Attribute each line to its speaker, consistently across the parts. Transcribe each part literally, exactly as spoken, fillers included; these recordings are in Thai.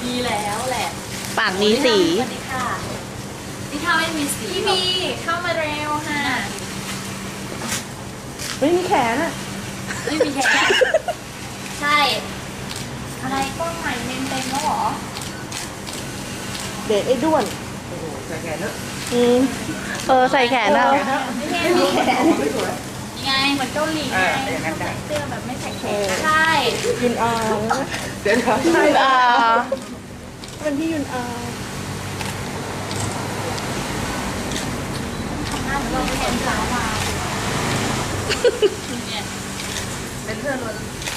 Speaker 1: มีแล้วแหละ
Speaker 2: ปากมีสี
Speaker 1: สวัสดีค่ะนี่ถ้าไม่มีสีพี่มีเข้ามาเร็วค่ะ
Speaker 3: ไม่มีแขนอ่ะ
Speaker 1: ไม่มีแขนใช่ อะไรกล้องใหม่เมนเต็มแล้วเหรอ
Speaker 3: เด็กไอ้ด้วน
Speaker 4: ใส่แขนเนอะ
Speaker 3: อืม
Speaker 2: เออใส่แขนอะ
Speaker 1: ไม่มีแขนยังไงเหมือนเกาหลีไงใส่เสื้อแบบไม่ใส่แขนใช่
Speaker 3: ยุนอา
Speaker 4: เดี๋ยวเดี๋ยว
Speaker 3: ใช่
Speaker 2: อ่า
Speaker 3: เป็นพี่ยุนอา
Speaker 1: น่าจะเป็นแขนสาวมาเนี่ยเป็นเพื่อนล้วน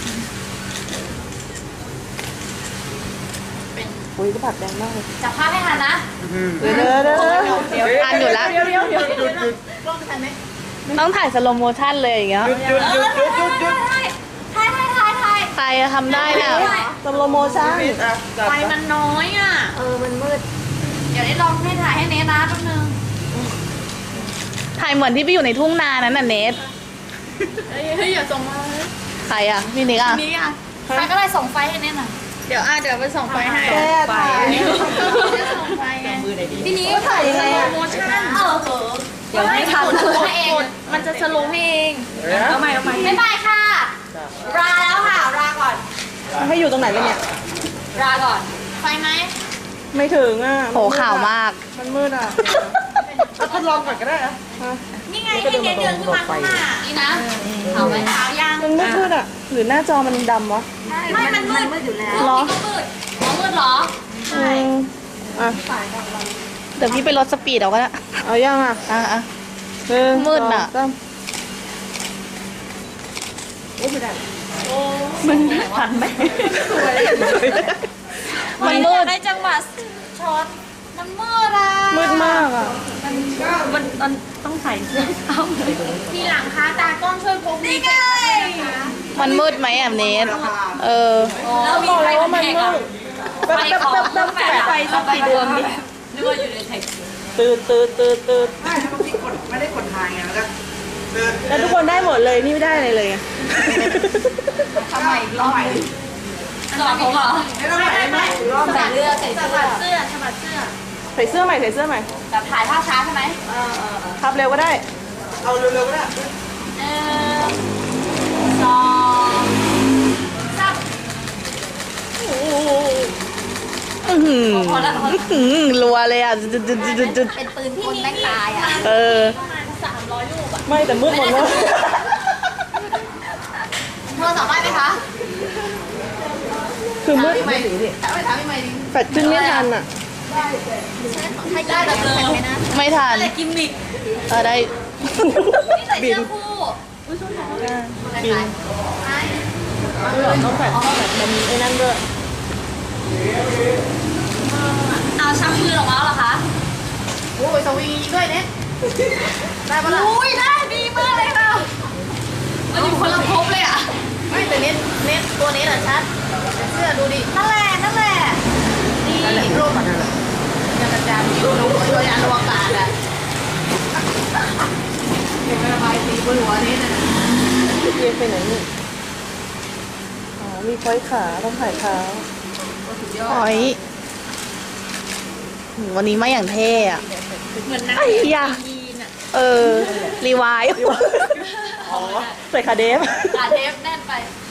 Speaker 1: เป็น
Speaker 3: อุ้ยก็ผัดแดงมากเลย
Speaker 1: จับภาพให้ทันนะ
Speaker 3: เดี๋ยวเดี๋ยวเดี๋ยวเดี๋ยว
Speaker 2: อ่านอยู่แล้ว
Speaker 3: เดี๋ยวเดี๋ยวเดี๋ยวเดี๋ยว
Speaker 1: กล้องทันไหม
Speaker 2: ต้องถ่ายสโลโมชั่นเลยอย่างเงี้ย
Speaker 4: หยุดหยุดหยุดหยุดหยุดหยุด
Speaker 1: ถ่ายถ่ายถ่ายถ่ายถ่าย
Speaker 2: ใครจะทำได้เนี่ย
Speaker 3: สโลโมชั่น
Speaker 4: ปิดอ่ะจับ
Speaker 1: ไฟมันน้อยอ่ะ
Speaker 3: เออมันมืด
Speaker 1: เดี๋ยวได้ลองให้ถ่ายให้เนทนะแป๊บนึง
Speaker 2: ถ่ายเหมือนที่ไปอยู่ในทุ่งนานั้นน่ะเนท
Speaker 1: เฮ้ยเฮ้ยอย่าส่งมา
Speaker 2: ใครอะพี่นิกอะ
Speaker 1: นี่อ่ะใครก็ได้ส่งไฟให้เนทหน่อยเดี๋ยวอ่ะเดี๋ยวไปส่งไฟให้
Speaker 3: แก้ถ่าย
Speaker 1: ส่งไฟไง
Speaker 4: มือไหนดี
Speaker 1: ทีนี้
Speaker 3: ก็ถ่ายยังไงอะ
Speaker 1: โมชั่นเออเหอะ
Speaker 3: เดี๋ยวไม่ทัน
Speaker 1: สโลว์ให้เองมันจะสโลว์ให้เอง
Speaker 4: เอาใหม่เอาใหม่
Speaker 1: บ๊ายบายค่ะลาแล้วค่ะลาก่อน
Speaker 3: ให้อยู่ตรงไหนกันเนี่ย
Speaker 1: ลาก่อนไฟไหม
Speaker 3: ไม่ถึงอ่ะ
Speaker 2: โหข่าวมาก
Speaker 3: มันมืดอ่ะ
Speaker 4: เอาทดลองก่อนก็ได้อะ
Speaker 1: นี่ไงให้เนทเดินขึ้นมาข้างหน้านี่นะขาวไหมขาวยัง
Speaker 3: มันมืดมืดอ่ะ หรือหน้าจอมันดำวะ
Speaker 1: ไม่มันมืดมืดอยู่แล้ว
Speaker 3: เหรอ
Speaker 1: ก็มืดอ๋อมืดเหรอ ใช่
Speaker 3: อืมอ่ะ
Speaker 2: เดี๋ยวพี่ไปลดสปีดเอาก็ได้
Speaker 3: เอายังอ่ะ
Speaker 2: อ่ะอ่ะ
Speaker 3: หนึ่ง
Speaker 2: มืดน่ะ
Speaker 3: สองสาม
Speaker 2: มันทันไหมมันมืด
Speaker 1: ได้จังหวะช็อตมันมืดอ่ะ
Speaker 3: มืดมากอ่ะ
Speaker 1: มันมันต้องใส่เสื้อเอาเลยทีหลังคะตากล้องช่วยพกมีไง
Speaker 2: มันมืดไหมอ่ะเนทเออ
Speaker 1: แล้วมี
Speaker 3: บอก
Speaker 1: ไฟ
Speaker 3: แล้วว่ามัน
Speaker 1: แท็ก
Speaker 3: มื
Speaker 1: อ่ะ
Speaker 3: ดแป๊บแป๊บแป๊บแป๊บแป๊บ
Speaker 1: ไฟสักกี่ดวงดินึกว่าอยู่ในแท็ก
Speaker 3: ตืดตืดตืดตืด
Speaker 4: ไม่ถ้าพี่กดไม่ได้กดทางไงแล้วก็เดิน
Speaker 3: แล้วทุกคนได้หมดเลย นี่ไม่ได้อะไรเลยไง
Speaker 1: ทำไมอีกรอบสอนผมเหรอ
Speaker 4: ไม่ต้องไหนได้ไหมรอบ
Speaker 1: ใส่เสื้อใส่เสื้อเสื้อฉบับเสื้อ
Speaker 3: ใส่เสื้อใหม่ใส่เสื้อใหม่
Speaker 1: แบบถ่ายภาพช้าใช่ไหมเออเออ
Speaker 3: ทับเร็วก็ได้
Speaker 4: เอาเร็วๆก็ได้
Speaker 1: หนึ่งสองสาม
Speaker 2: อื้อหือ
Speaker 1: พอแล้วพอแล้ว
Speaker 2: อื้อหือรัวเลยอ่ะจุดจุดจุดจุดจุด
Speaker 1: เป็นปืนคนแม่งตายอ่ะ
Speaker 2: เออ
Speaker 1: ประมาณสามร้อยลูกอ่ะ
Speaker 3: ไม่แต่มืดหมดเลย
Speaker 1: โทรศัพท์ได้ไหมคะ
Speaker 3: คือมืด
Speaker 1: ไม่ถามไม่ถามไม่ไม่ดิ
Speaker 3: แฟดขึ้นไม่ทันอ่ะ
Speaker 1: ให้ได้แบบเลย
Speaker 2: ไม่ทัน
Speaker 1: แต่กิมมิค
Speaker 2: เออได้
Speaker 1: นี่ใส่เสื้อคู่อุ้ยชุดหนาว
Speaker 3: บิน ต้องแฟดมันมีไอ้นั่นด้วย
Speaker 1: เอาชักมือออกมาแล้วเหรอคะโอ้ยสวิงด้วยเนี่ยได้ปะล่ะอุ้ยได้ดีมากเลยค่ะมันอยู่คนละภพเลยอ่ะไม่แต่เน็ตเน็ตตัวเน็ตอ่ะชัดเสื้อดูดินั่นแหละนั่นแหละนี่ร่มอ่ะนั่นแหละยังกระจายอยู่ลงตัวยานอวกาศอ่ะเป็นระบายสีบนหัวเน็ตอ่ะ
Speaker 3: เรียนไปไหนนี่ อ๋อ มีพอยต์ขาต้องถ่ายเท้า
Speaker 2: อ๋อยวันนี้มาอย่างเท่อะ
Speaker 1: เหมือนนัก
Speaker 2: ไอ้
Speaker 1: เรียน
Speaker 2: ยา
Speaker 1: ยีนอ่ะ
Speaker 2: เออ รีไวาย
Speaker 3: อ๋อ ใส่ขาเดฟ
Speaker 1: ขาเทปแน่นไป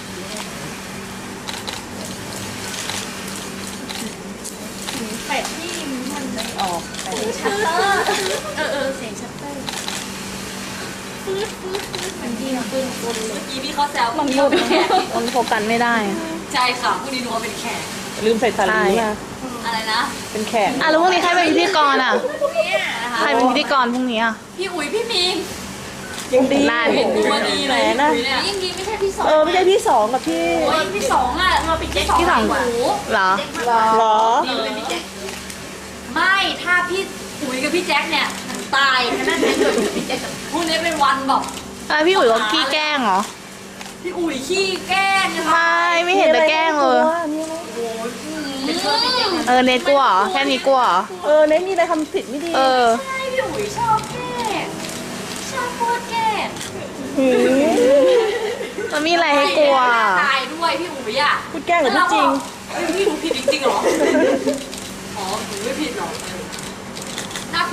Speaker 1: เป็ดที่มันไม่ออกเสียงชัตเตอร์เออเออเสียงชัตเตอร์ฟืดฟืดฟืดมันที่มันขึ้นบนเลยเมื่อกี้พี่เขาแซว
Speaker 2: มัน
Speaker 1: พี่
Speaker 2: มุ
Speaker 1: เขา
Speaker 2: ด
Speaker 1: เป็นแขก
Speaker 2: มันโฟกัสไม่ได้อะ
Speaker 1: ใช่ค่ะผู้นี้หนูว่าเป็นแขก
Speaker 3: ลืมใส่สาลีมา
Speaker 1: อะไรนะ
Speaker 3: เป็นแขก
Speaker 2: อ่ะแล้วพรุ่งนี้ใครเป็นพิธีกรอ่ะ
Speaker 1: เนี่ยนะคะ
Speaker 2: ใครเป็นพิธีกรพรุ่งนี้อ่ะ
Speaker 1: พี่อุ๋ยพี่มิง
Speaker 3: ยังดี
Speaker 2: นั่น
Speaker 1: เห็นดูมาดีเลย
Speaker 3: นะ
Speaker 1: พี่อุ๋ยเนี่ยยิ่งดีไม่ใช่พี่สอง
Speaker 3: เออ ไม่ใช่พี่สองกับพี่
Speaker 1: โอ้ยพี่สองอ่ะเราเป็นพี่สอง
Speaker 2: พี่สอง
Speaker 1: หนู
Speaker 2: เหรอ
Speaker 3: หรอ
Speaker 1: ดีเป็นพี่แจ็คไม่ถ้าพี่อุ๋ยกับพี่แจ็คเนี่ยตายนั่นแหละเกิดพี่แจ็คกับพวกนี้เป็นวันแบบ
Speaker 2: อ่ะพี่อุ๋ยก็ขี้แกล้งเหรอ
Speaker 1: พี่อุ๋ยขี้แกล้งนะ
Speaker 2: ไม่ ไม่เห็นจะแกล้งเลย
Speaker 3: มีอะไร
Speaker 1: เป็นเชื่อพี่แจ็ค
Speaker 2: เออเนทกลัวเหรอ แค่นี้กลัวเหรอ
Speaker 3: เออเน้นมีอะไรทำผิดไม่ดี
Speaker 2: เออ
Speaker 1: ใช่พี่อุ๋ยชอบแกล้งชอบพูดแกล้ง
Speaker 3: หืม
Speaker 2: มันมีอะไรให้กลัว
Speaker 1: ตายด้วยพี่อุ๋ยอ่ะ
Speaker 3: พูดแกล้งหรือพูดจริง
Speaker 1: เฮ้ยพี่อุ๋ยผิดจริงๆเหรอ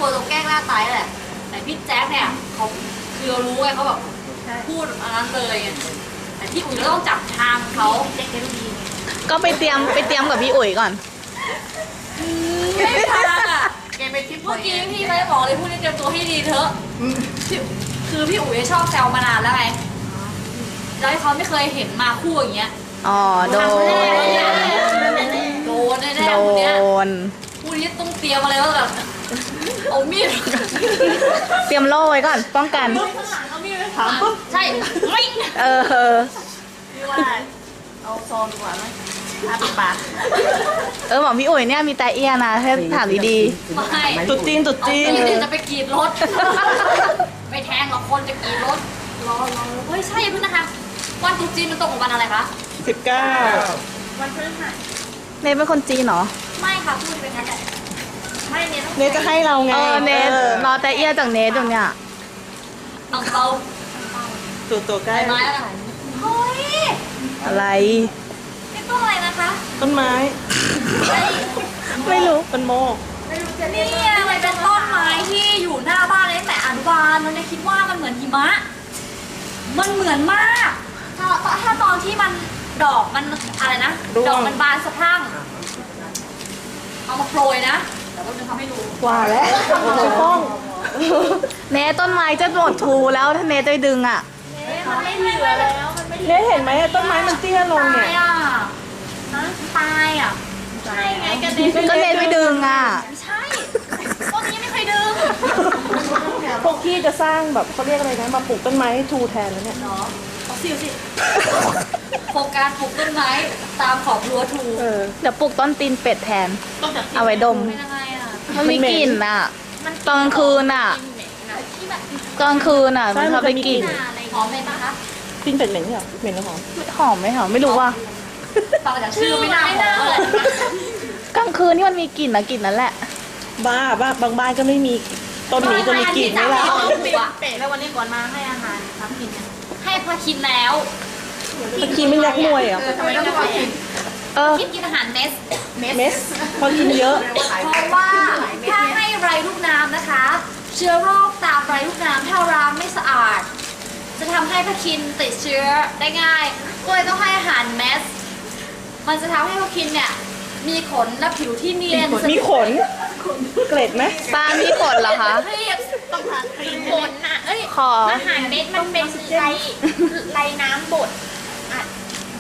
Speaker 1: ลัวตรงแกล้งหน้าตายแหละแต่พี่แจ๊คเนี่ยเขาคือเรารู้ไงเขาแบบพูดอันนั้นเลยไงแต่พี่อุ๋ยก็ต้องจับทางเขาเด็กๆดีไง
Speaker 2: ก็ไปเตรียมไปเตรียมกับพี่อุ๋ยก่อน
Speaker 1: ไม่ทางอ่ะ
Speaker 4: แกไปคิด
Speaker 1: เมื่อกี้พี่ไม่ได้บอกเลยพูดให้เตรียมตัวให้ดีเถอะคือพี่อุ๋ยชอบแซวมานานแล้วไงแล้วเขาไม่เคยเห็นมาคู่อย่างเงี้ย
Speaker 2: อ๋อ โดน
Speaker 1: โดนแน่
Speaker 2: โด
Speaker 1: ๆคู่เนี้ย
Speaker 2: น
Speaker 1: คู่นี้ต้องเตรียมอะไรว่าแบบเอามีด
Speaker 2: เตรียมโล่ไว้ก่อน ป้องกัน
Speaker 1: เอามีดถามปุ๊บใช่ไม่
Speaker 2: เออ
Speaker 1: พี่ว่าเอาซองดีกว่าไหมทาปิดปาก
Speaker 2: เออบอกพี่อุ๋ยเนี่ยมีแต่เอียนะให้ถามดี
Speaker 1: ไม่
Speaker 3: ตุ๊ดจีนตุ๊ด
Speaker 1: เอา
Speaker 3: จีน
Speaker 1: มีดจะไปกรีดรถไปแทงหรอกคนจะกรีดรถรอรอเฮ้ยใช่เพิ่งนะคะวันตรุษจีนมันตรงกับวันอะไรคะ
Speaker 3: สิบเก้า
Speaker 1: วันพฤหัส
Speaker 2: ๆ เนทเป็นคนจีนเหรอ
Speaker 1: ไม่ค่ะพูดเป็นงั้นแหละไม่เนี่ย
Speaker 3: เนทจะให้เราไง
Speaker 2: เออ เนทรอแต่เอียจากเนทอยู่เนี่ย
Speaker 1: เอาเตา
Speaker 3: ตัวตัวใกล้
Speaker 1: ใบไม้แล้วกันเฮ้ย
Speaker 2: อะไร
Speaker 1: นี่ต้นอะไรนะคะ
Speaker 3: ต้นไม้
Speaker 1: ไอ้
Speaker 3: ไม่รู้เป็นโมก
Speaker 1: นี่มันเป็นต้นไม้ที่อยู่หน้าบ้านเลยตั้งแต่อนุบาลเราเนี่ยคิดว่ามันเหมือนหิมะ มันเหมือนมาก ถ้าถ้าตอนที่มันดอกมันอะไรนะ ดอกมันบานสะพรั่ง เอามาโปรยนะ เดี๋ยวเราจะทำให้ดู
Speaker 3: ว่าแล้วจะป้อง
Speaker 2: เนทต้นไม้จะหมดทูแล้วถ้าเนทจะไปดึงอ่ะ
Speaker 1: มันไม่เหลือแล้ว มันไม่
Speaker 3: เนทเห็นไหมต้นไม้มันเตี้ยลงเนี่ย
Speaker 1: ตายอ่ะนะตายอ่ะ ใช่ไงกันเน
Speaker 2: ก็เนทไปดึงอ่ะ
Speaker 1: ไม่ใช่ต้นนี้ไม่เคยดึง
Speaker 3: พวกพี่จะสร้างแบบเขาเรียกอะไรนะมาปลูกต้นไม้ให้ทูแทนแล้วเนี่ย
Speaker 1: เนาะเอาสิเอาสิโฟกัสปลูกต้นไม้ตามขอบรั้วทู
Speaker 3: เออ
Speaker 2: เดี๋ยวปลูกต้นตีนเป็ดแทน เอาไว้ดม
Speaker 1: เป็นยังไงอ่ะ
Speaker 2: มันมีกลิ่นอ่ะ ตอนกลางคืนอ่ะ
Speaker 1: ที่แบบ
Speaker 2: ตอนกลางคืนอ่ะ
Speaker 3: ใช่
Speaker 2: มันชอบไป
Speaker 3: มันจะมี
Speaker 2: กลิ่น
Speaker 1: อะไรหอมเลยปะคะ
Speaker 3: ปิ้นเป็ดเหม็นเหรอเหม็นหรือหอม
Speaker 2: หอมไหมหอมไม่รู้ว่า
Speaker 1: ฟังจากชื่อไม่น่าหอมเลย
Speaker 2: กลางคืนนี่มันมีกลิ่นนะกลิ่นนั้นแหละ
Speaker 3: บ้าบ้าบางบ้านก็ไม่มีต้นนี้จะมีกลิ่นไหมล่ะ
Speaker 1: เปะแล้ววันนี้ก่อนมาให้อาหารทำกินให้พอกินแล้ว
Speaker 3: ตะกี้ไม่นักมวยเหรอ
Speaker 1: ทำไมต้องพอกิน
Speaker 2: เออ
Speaker 1: กินกินอาหารเมส
Speaker 3: เมสพอกินเยอะ
Speaker 1: เพราะว่าถ้าให้ไรลูกน้ำนะคะ เชื้อโรคตามไรลูกน้ำถ้าล้างไม่สะอาด จะทำให้พาคินติดเชื้อได้ง่ายก็เลยต้องให้อาหารเมส มันจะทำให้พาคินเนี่ยมีขนและผิวที่เนียน
Speaker 3: มีขน เกล็ดไหม
Speaker 2: ปลามีขนเหรอคะ
Speaker 1: เรียบต้องทานขนน่ะเอ้ย
Speaker 2: ขอ
Speaker 1: อาหารเม็ดมันเป็นไรไรน้ำบดอ่ะ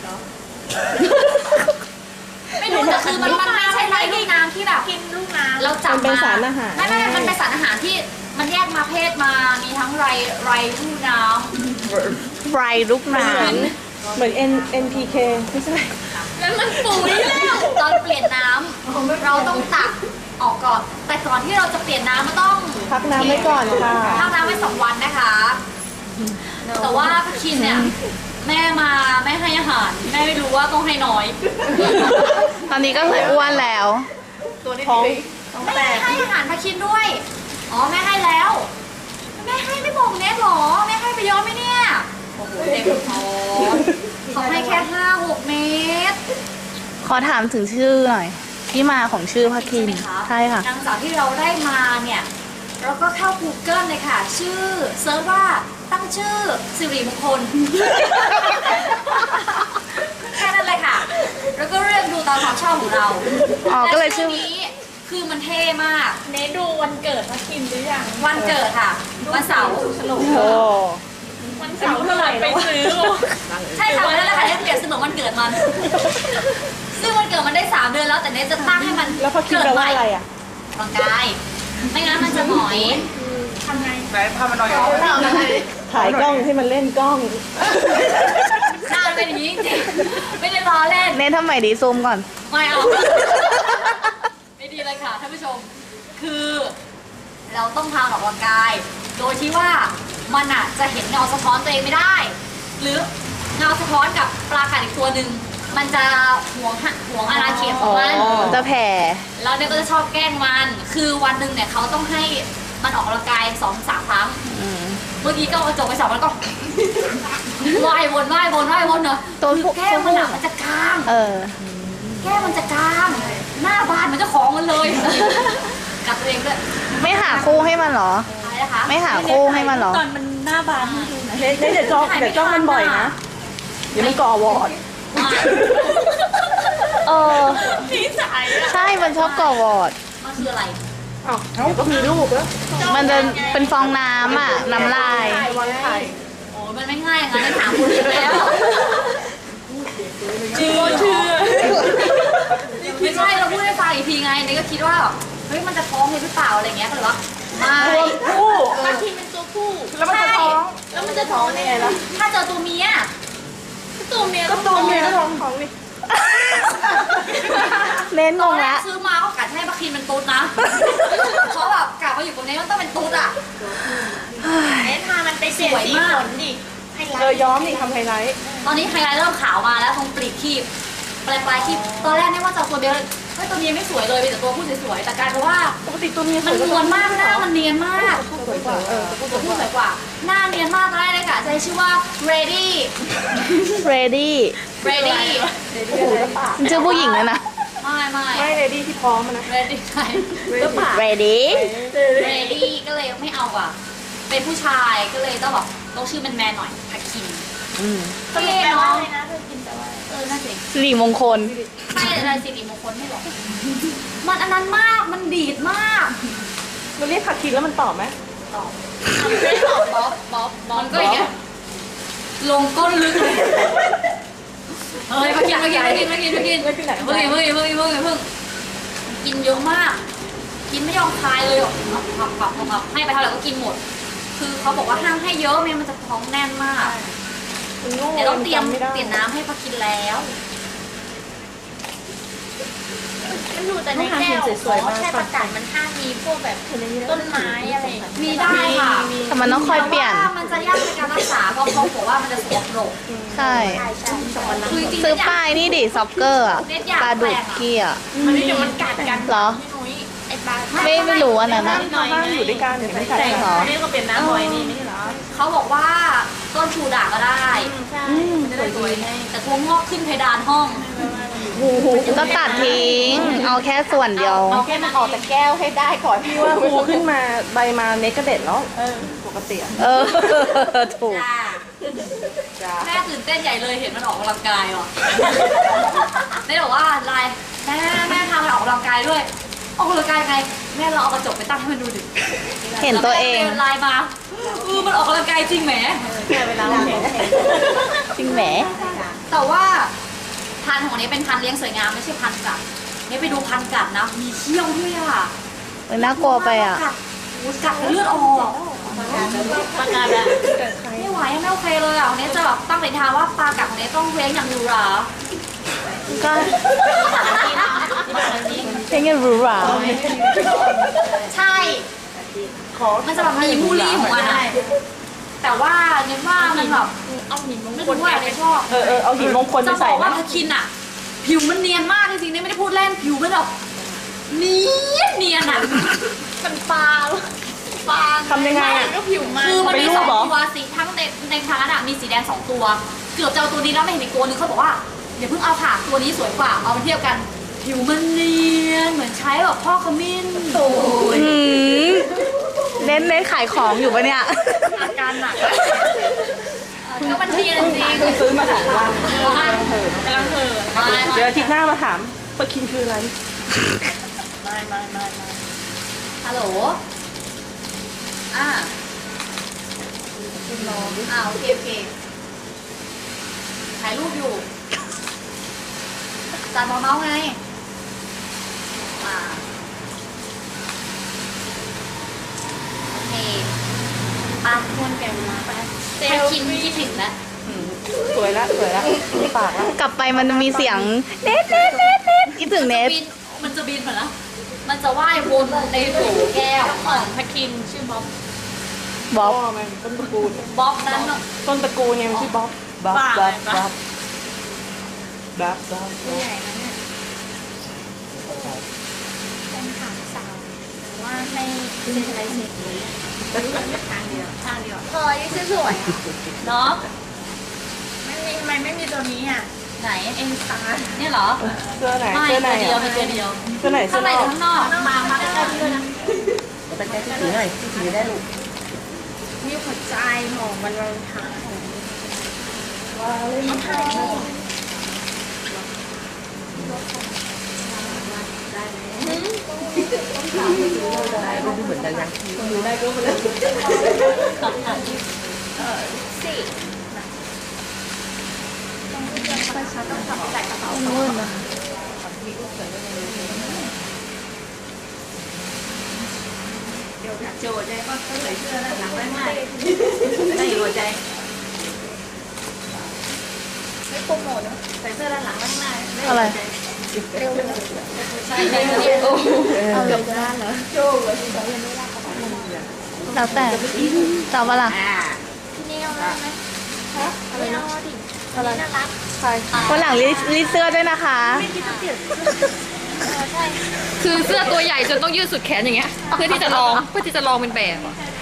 Speaker 1: ไม่รู้แต่คือมันมันไม่ใช่ไรลูกน้ำที่แบบกินลูกน้ำเราจับ
Speaker 3: มันเป็น
Speaker 1: มา
Speaker 3: สารอาหาร
Speaker 1: ไม่ไม่มันเป็นสารอาหารที่มันแยกมาเพศมามีทั้งไรไรลูกน้ำ
Speaker 2: ไรลูกหนาน
Speaker 3: เหมือน N N P K ไม่ใช่
Speaker 1: แล้วมันปุ๋ยแล้วตอนเปลี่ยนน้ำเราต้องตักออกก่อน แต่ก่อนที่เราจะเปลี่ยนน้ำมันต้อง
Speaker 3: พักน้ำไว้ก่อนค่ะ
Speaker 1: พักน้ำไว้สองวันนะคะ แต่ว่าพาคินเนี่ย แม่มาแม่ให้อาหาร แม่ไม่รู้ว่าต้องให้น้อย
Speaker 2: ตอนนี้ก็เลยอ้วนแล้ว
Speaker 3: ท้อง
Speaker 1: แม่ให้อาหารพาคินด้วย อ๋อแม่ให้แล้ว แม่ให้ไม่บอกเน็ตหรอ แม่ให้ไปเยอะไหมเนี่ย โอ้โหเต็มท้องเขาให้แค่ห้าหกเมตร
Speaker 2: ขอถามถึงชื่อหน่อย ที่มาของชื่อพาคิน ใช่ค่ะ
Speaker 1: หลังจากที่เราได้มาเนี่ยเราก็เข้า Google เลยค่ะ ชื่อเซิร์ชว่าตั้งชื่อสิริมงคล แค่นั้นเลยค่ะ แล้วก็เลือกดูตามความชอบของเรา
Speaker 2: อ๋อก็เลยชื่อ
Speaker 1: และนี้คือมันเท่มาก
Speaker 5: เนทดูวันเกิดมาคินหรือยัง
Speaker 1: วันเกิดค่ะ วันเสาร์
Speaker 3: โอ้
Speaker 5: วันเสาร์เท่าไหร่ไปซื้อ
Speaker 1: ใช่ค่ะวันนั้นแหละค่ะที่เปลี่ยนเสนอวันเกิดมัน ซึ่งวันเกิดมันได้สามเดือนแล้วแต่เนทจะตั้งให้มัน
Speaker 3: แล้วพอคิดแปลว่าอะไรอ่ะ
Speaker 1: ร่างกาย ไม่งั้นมันจะหงอย
Speaker 5: ทำไง
Speaker 4: ไหนพามาหน่อย
Speaker 3: ถ่ายกล้องให้มันเล่นกล้อง
Speaker 1: หน้าเป็นอย่างนี้จริงๆไม่ได้ล้อเล่น
Speaker 2: เนททำไมดีซูมก่อน
Speaker 1: ไม่เอา ไม่ดีเลยค่ะท่านผู้ชม คือเราต้องพาออกกำลังกาย โดยที่ว่ามันอ่ะจะเห็นเงาสะท้อนตัวเองไม่ได้ หรือเงาสะท้อนกับปลากัดอีกตัวหนึ่งมันจะหวงหะหวงอาณาเขตของมัน
Speaker 3: อ๋อ
Speaker 2: จะแผ่
Speaker 1: แล้วเนี่ยก็จะชอบแกล้งมัน คือวันหนึ่งเนี่ยเขาต้องให้มันออกกำลังกายสองสามครั้ง
Speaker 2: อืม
Speaker 1: เมื่อกี้ก็เอากระจกไปสองแล้วก็ ว่ายวนว่ายวนว่ายวนเนอะ
Speaker 2: ตัว
Speaker 1: คือ
Speaker 2: พวก
Speaker 1: แก้มมันอะมันจะกลาง
Speaker 2: เออ
Speaker 1: แก้มมันจะกลาง หน้าบานเหมือนเจ้าของมันเลย กัดตัวเองด้วย
Speaker 2: ไม่หาคู่ให้มันเหรอ
Speaker 1: อะไรนะคะ
Speaker 2: ไม่หาคู่ให้มันเหรอ
Speaker 5: ตอนมันหน้าบานให้ดูหนะ
Speaker 3: เนทเนทเดี๋ยวจ้องเดี๋ยวจ้องมันบ่อยนะ เดี๋ยวมันก่อวอร์ด
Speaker 2: เออ
Speaker 5: นิสัยอะ
Speaker 2: ใช่ มันชอบก่อวอร์ด
Speaker 1: มันคืออะไร
Speaker 3: อ้าวเดี๋ยวก็มีลูกแล้ว
Speaker 2: มันจะเป็นฟองน้ำอ่ะ น้ำลาย
Speaker 3: วันไข่
Speaker 1: โอ้มันไม่ง่ายอย่างนั้นเลยถามคุณแล้ว
Speaker 5: เชื่อเชื่อ
Speaker 1: ไม่ใช่เราพูดให้ฟังอีกทีไงเนยก็คิดว่าเฮ้ยมันจะท้องเลยหรือเปล่าอะไรเงี้ยก็เลยว่าไม่
Speaker 3: คู่
Speaker 5: บางทีเป็นตัวผู้
Speaker 3: แล้วมันจะท้อง
Speaker 5: แล้วมันจะท้องได้ไงล่ะ
Speaker 1: ถ้าเจอตัวเมีย
Speaker 5: ตัวเมีย
Speaker 3: ก็ตัวเมียก็ท้องท้องนี่
Speaker 2: เน้นง
Speaker 1: ตอน
Speaker 2: ง
Speaker 1: แร
Speaker 2: ละ
Speaker 1: กซื้อมาเขากัดให้ปลาคินเป็นตุ๊ดนะเพราะแบบกลับมาอยู่ตรงนี้มันต้องเป็นตุ๊ดอ่ะ
Speaker 5: เอ๊ะพามันไปเปลี่ยนสีขนดิให้
Speaker 3: เออย้อมนี่ทำไฮไลท์
Speaker 1: ตอนนี้ไฮไลท์เริ่มขาวมาแล้วตรงปลีกคีบปลายปลายคีบตอนแรกเนี่ยว่าจะเอาตัวเดียวเฮ้ยตัวเมียไม่สวยเลยมีแต่ตัวผู้สวยๆแต่กลายเป็นว่า
Speaker 3: ปกติตัวเมียส
Speaker 1: มั
Speaker 3: วน ย
Speaker 1: นวลมากหน้ามันเนียนมาก
Speaker 3: สวยกว่าเออ
Speaker 1: ตัวผู้สวยกว่า หน้าเนียนมากตอนแรกเลยค่ะจะให้ชื่อว่า ready
Speaker 2: ready
Speaker 1: ready
Speaker 3: โอ้โหแล้วปาก
Speaker 2: มันชื่อผู้หญิงเลยนะ
Speaker 1: ไม่ไม่
Speaker 3: ไม่เลดี้ที่พร้อมอะนะ
Speaker 1: ready ใช่
Speaker 3: แล้วปาก
Speaker 2: ready
Speaker 1: ready ก็เลยไม่เอาอ่ะ เป็นผู้ชายก็เลยต้องแบบต้องชื่อแมนๆหน่อยพักคิน
Speaker 2: อืม
Speaker 1: ก็เลย
Speaker 5: แปลว่า
Speaker 1: เนาะ
Speaker 5: อะไรนะเธอกินแปลว่า
Speaker 1: เออน่าสิ
Speaker 2: สิริมงคล
Speaker 1: ไม่อะไรสิริมงคลไม่หรอกมันอันนั้นมากมันดีดมาก
Speaker 3: มันเรียกผักคินแล้วมันตอบไหม
Speaker 1: ตอบไม่ตอบบ๊อบบ๊อบบ๊อบมันก็อย่างเงี้ยลงก้นลึกเลยเฮ้ยมากินมากินมากินมากินมากิน
Speaker 3: ไม่เป็นไหน
Speaker 1: เพิ่งเพิ่งเพิ่งเพิ่งเพิ่งกินเยอะมาก กินไม่ยอมคายเลยหรอกผับผับผับผับให้ไปเท่าไหร่ก็กินหมด คือเขาบอกว่าห้ามให้เยอะไม่งั้นมันจะท้องแน่นมาก
Speaker 3: มันโง่
Speaker 1: เดี๋ยวต้องเตรียม
Speaker 3: จำไม่ได้
Speaker 1: เปลี่ยนน้ำให้ปลากินแล้ว
Speaker 5: มันดูแต่ในแก้วแค่ประกาศมันห้ามมีพวกแบบต้นไม้อะไรอย่างเงี้ย
Speaker 1: มีได้ค่ะ
Speaker 2: แต่มันต้องคอยเปลี่ยน
Speaker 1: แต่ว่ามันจะยากในการรักษาเพราะเขาบอกว่ามันจะสกปรก
Speaker 2: ใช่
Speaker 5: ใช่ใช่สองวันละ
Speaker 1: คือจริงๆ
Speaker 2: ซื้อ
Speaker 1: เนี่ย
Speaker 2: ป้ายนี่ดิซ็อกเกอร์อะ
Speaker 1: เน็ตอยาก
Speaker 2: ปลาดุก
Speaker 1: แปลงอะ
Speaker 2: เกี้ย
Speaker 5: มันเดี๋ยวมันกัดกัน
Speaker 2: เหรอ
Speaker 5: พี่นุ้ยไอ้ปลา
Speaker 2: ไม่ไม่รู้อันนั้นอะ
Speaker 5: หน่อย
Speaker 3: ห้ามอยู่ด้วยกันเดี๋ยวไม่กัด
Speaker 5: แต่
Speaker 3: กัน
Speaker 2: เหรอ
Speaker 5: นี่ก็เป็นน้ำบ่อยนี่ไม่ใช่เหรอ
Speaker 1: เขาบอกว่าต้นชูด่างก็ได้
Speaker 5: ใช่
Speaker 1: มันจะได้สวยไงแต่ตัวงอกขึ้นเพดานห้อง
Speaker 3: โอ้โห
Speaker 2: ก็ตัดทิ้ง เอาแค่ส่วนเดียว
Speaker 5: เอาแค่มันออกจากแก้วให้ได้ก่อน
Speaker 3: พี่ว่าครูขึ้นมาใบมาเน็กกระเด็ดแล้วปกติอะ
Speaker 2: เออ ถูก
Speaker 1: จ้า
Speaker 3: จ้า
Speaker 1: แม่ตื่นเต้นใหญ่เลยเห็นมันออกกำลังกายว่ะแม่บอกว่าไลน์แม่แม่พามันออกกำลังกายด้วย ออกกำลังกายไง แม่เราเอากระจกไปตั้งให้มันดูดิ
Speaker 2: เห็นตัวเอง
Speaker 1: แม่ดินไลน์มาเออมันออกกำลังกายจริงแหม
Speaker 5: เวลาเราเห็น
Speaker 2: จริงแหม
Speaker 1: แต่ว่าพันธุ์ของนี้เป็นพันธุ์เลี้ยงสวยงามไม่ใช่พันธุ์กัดเนี่ยไปดูพันธุ์กัดนะ มีเขี้ยวด้วยอ่ะ
Speaker 2: เออน่ากลัวไปอ่ะ
Speaker 1: กัดโอ้ยกัดเลือดออก
Speaker 5: ประกาศแล้ว
Speaker 1: ไม่ไหวไม่โอเคเลยอ่ะวันนี้จะแบบตั้งปณิธานว่าปลากัดของนี้ต้องเลี้ยงอย่างหรูหรา
Speaker 2: ก็เพลงยังหรูหรา
Speaker 1: ใช่
Speaker 3: ขอ
Speaker 1: มันจะแบบมีมูลลี่ของมันอะแต่ว่าเนี่ยว่ามันแบบ
Speaker 5: เอาหินมง
Speaker 1: ไม่
Speaker 5: คล
Speaker 1: รู้ว่าอะไรชอบ
Speaker 3: เออเออเอาหินมงคล
Speaker 1: จะ
Speaker 3: มา
Speaker 1: บ
Speaker 3: ใส่
Speaker 1: อกว่า
Speaker 3: นะ
Speaker 1: พาคินอะผิวมันเนียนมากจริงๆเนี่ยไม่ได้พูดเล่นผิวมันแบบเนียนเนียนอะ
Speaker 5: มันปลา
Speaker 1: ปา
Speaker 3: ทำยังไงอะ
Speaker 5: ก็ผิวมัน
Speaker 1: คือมันมี
Speaker 3: เป็นรู
Speaker 1: ส
Speaker 3: ป
Speaker 1: อง
Speaker 3: เหรอ
Speaker 1: ตัวสีทั้งในในพาร์ทอะมีสีแดงสองตัว เกือบจะเอาตัวนี้แล้วไม่เห็นอีกตัวนึงเขาบอกว่าเดี๋ยวเพิ่งเอาค่ะตัวนี้สวยกว่าเอามาเทียบกัน ผิวมันเนียนเหมือนใช้แบบพ่อขมิ้นโอ้ย
Speaker 2: อืมเน้นเน้นขายของอยู่ปะเนี่ย
Speaker 1: อาการหนักก็มันเนียนจริง
Speaker 3: เพิ่งซื้อมาถามว่าก
Speaker 1: ำลังเห่อกำลังเห่อ
Speaker 3: เดี๋ยวอาทิตย์หน้ามาถามปลาคินคืออะไร
Speaker 1: ไม่ไม่ไม่ไม่ฮัลโหลอ่าคุณน้องอ่าโอเคโอเคถ่ายรูปอยู่จานมอเมาส์ไงอ่าโอเคปาคนแก่มาไปถ้าคินคิดถึงแล้ว
Speaker 3: สวยละสวยละมีปากละ
Speaker 2: กลับไปมันจะมีเสียงเน็ตเน็ตเน็ตเน็ตคิดถึงเน็ต
Speaker 1: บินมันจะบินเหมือนนะมันจะว่ายวนในโถแก้ว
Speaker 5: ของพาคินชื่อบ๊อบ
Speaker 2: บ๊อบ
Speaker 3: พ่อมันต้นตระกูล
Speaker 1: บ๊อบนั้นน่ะ
Speaker 3: ต้นตระกูลเนี่ยมันชื่อบ๊อบบ๊อบบ๊อบบ๊อบบ๊อบบ๊อบ
Speaker 5: ตัวใหญ่นะเนี่ยเป็นขางสาวว่าไม่เป็นอะไรเสร็จเลยทางเดียวทางเดียวพอยังสวยๆอ่ะ
Speaker 1: เนาะ
Speaker 5: ไม่มีทำไมไม่มีตัวนี้อ่ะ
Speaker 1: ไหน
Speaker 5: เอ็นสตาร์
Speaker 1: เนี่ยเหรอ
Speaker 3: เสื้อไหน
Speaker 1: ไม่
Speaker 3: เสื้อไหน
Speaker 1: ตัวเดียว
Speaker 3: อะ
Speaker 1: มีตัวเดียว
Speaker 3: เสื้อไหนเสื้
Speaker 1: ข้า
Speaker 3: อง
Speaker 1: ใน
Speaker 3: น
Speaker 1: ห
Speaker 3: อ
Speaker 1: รือก ข้างนอก
Speaker 5: มามาใกล้ๆพี่ด้วยนะ
Speaker 4: สแกนที่ถือหน่อยที่ถือได้ลูก
Speaker 5: มีหัวใจหอมมันวาเลนไทน์ว้าวเลยมาถ่าย
Speaker 4: ได้ก็เหมือนกันยัง
Speaker 5: ได้ก็มาเลยเออสี่ต้องเดินไปช้าต้องขับใส่กระเป๋า
Speaker 2: นู่นนะ
Speaker 1: เดี๋ยวโจทย์ใจก็ใส่เสื้อด้านหลังได้ง่ายได้หัวใจ
Speaker 5: ไม่โปรโมทเนาะ
Speaker 1: ใส่เสื้อด้านหลังได้ง่าย
Speaker 2: อะไร
Speaker 5: เร็วเลย
Speaker 1: ใช่ใช่ใช่
Speaker 2: เอาเลยก็ได้เหรอแล้วแต่จะเอาปะล่ะ
Speaker 1: อ่า
Speaker 5: ที่นี่เอาได้ไหมฮะอะไรนะดิอะไรน่ารัก
Speaker 3: ใช่
Speaker 2: วันหลังรีดรีดเสื้อด้วยนะคะ
Speaker 5: เออใช่
Speaker 1: คือเสื้อตัวใหญ่จนต้องยืดสุดแขนอย่างเงี้ยเพื่อที่จะลองเพื่อที่จะลองเป็นแบบอะ